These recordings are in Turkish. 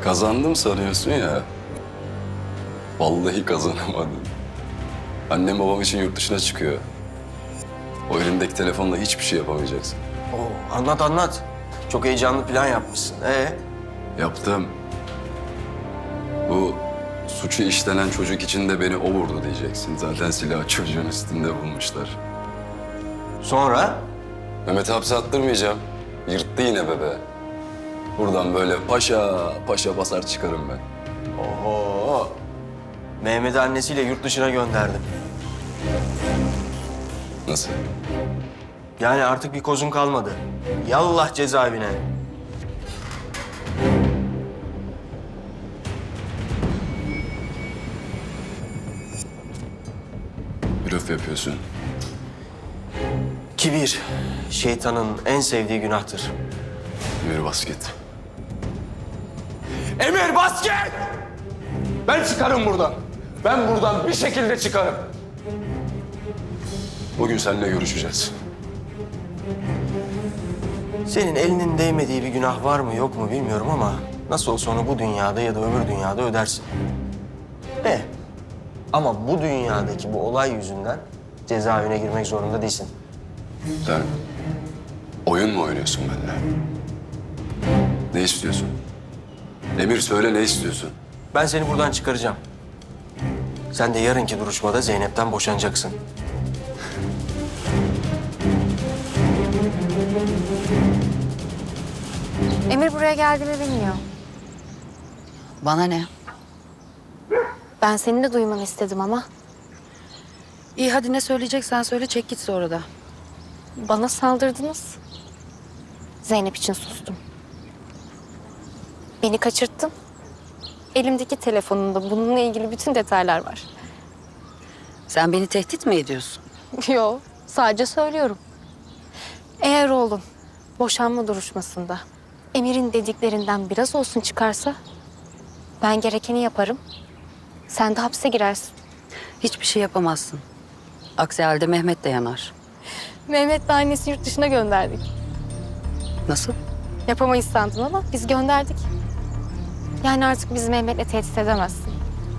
Kazandım sanıyorsun ya. Vallahi kazanamadım. Annem babam için yurt dışına çıkıyor. O elindeki telefonla hiçbir şey yapamayacaksın. Oo, anlat anlat. Çok heyecanlı plan yapmışsın. Yaptım. Bu suçu işlenen çocuk için de beni o vurdu diyeceksin. Zaten silahı çocuğun üstünde bulmuşlar. Sonra? Mehmet'i hapse attırmayacağım. Yırttı yine bebe. Buradan böyle paşa paşa basar çıkarım ben. Oho. Mehmet'i annesiyle yurt dışına gönderdim. Nasıl? Yani artık bir kozun kalmadı. Yallah cezaevine. Blöf yapıyorsun. Kibir, şeytanın en sevdiği günahtır. Emir basket. Emir basket! Ben çıkarım buradan. Ben buradan bir şekilde çıkarım. Bugün seninle görüşeceğiz. Senin elinin değmediği bir günah var mı yok mu bilmiyorum ama nasıl olsa onu bu dünyada ya da öbür dünyada ödersin. Ama bu dünyadaki bu olay yüzünden cezaevine girmek zorunda değilsin. Sen oyun mu oynuyorsun benimle? Ne istiyorsun? Emir söyle ne istiyorsun? Ben seni buradan çıkaracağım. Sen de yarınki duruşmada Zeynep'ten boşanacaksın. Emir buraya geldiğimi bilmiyor. Bana ne? Ben senin de duymanı istedim ama İyi hadi ne söyleyeceksen söyle çek git sonra da. bana saldırdınız. Zeynep için sustum. Beni kaçırttın. Elimdeki telefonumda bununla ilgili bütün detaylar var. Sen beni tehdit mi ediyorsun? Yo, sadece söylüyorum. Eğer oğlum boşanma duruşmasında Emir'in dediklerinden biraz olsun çıkarsa ben gerekeni yaparım. Sen de hapse girersin. Hiçbir şey yapamazsın. Aksi halde Mehmet de yanar. Mehmet'le annesi yurt dışına gönderdik. Nasıl? Yapamayız sandın ama biz gönderdik. Yani artık bizi Mehmet'le tehdit edemezsin.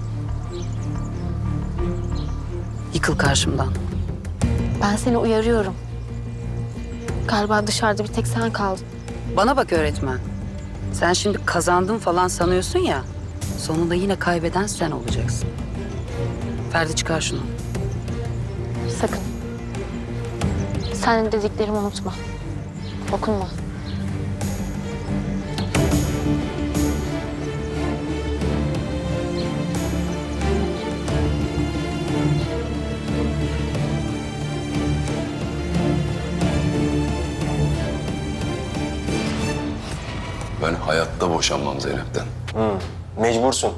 Yıkıl karşımdan. Ben seni uyarıyorum. Galiba dışarıda bir tek sen kaldın. Bana bak öğretmen. Sen şimdi kazandım falan sanıyorsun ya. Sonunda yine kaybeden sen olacaksın. Ferdi çıkar şunu. Sakın. Sen dediklerimi unutma. Dokunma. Ben hayatta boşanmam Zeynep'ten. Mecbursun.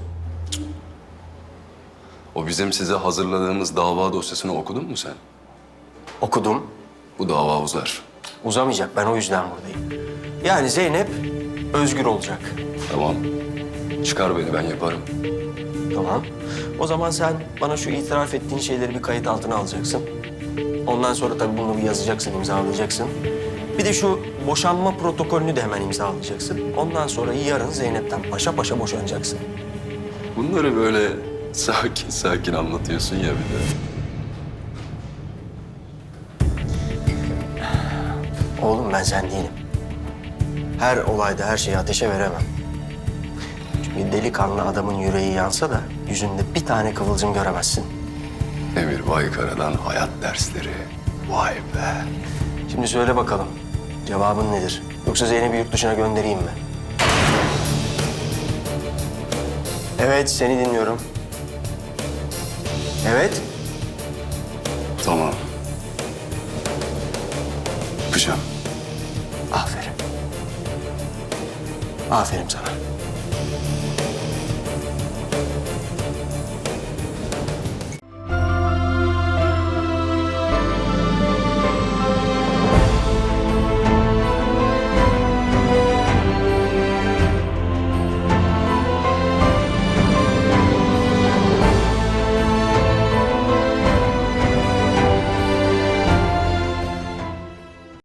O bizim size hazırladığımız dava dosyasını okudun mu sen? Okudum. Bu dava uzar. Uzamayacak. Ben o yüzden buradayım. Yani Zeynep özgür olacak. Tamam. Çıkar beni ben yaparım. Tamam. O zaman sen bana şu itiraf ettiğin şeyleri bir kayıt altına alacaksın. Ondan sonra tabii bunu bir yazacaksın, imzalayacaksın. Bir de şu boşanma protokolünü de hemen imzalayacaksın. Ondan sonra yarın Zeynep'ten paşa paşa boşanacaksın. Bunları böyle sakin sakin anlatıyorsun ya bir de. Oğlum ben sen değilim. Her olayda her şeyi ateşe veremem. Çünkü delikanlı adamın yüreği yansa da yüzünde bir tane kıvılcım göremezsin. Emir Baykara'dan hayat dersleri. Vay be. Şimdi söyle bakalım. Cevabın nedir? Yoksa Zeynep'i yurt dışına göndereyim mi? Evet, seni dinliyorum. Evet. Tamam. Yapacağım. Aferin. Aferin sana.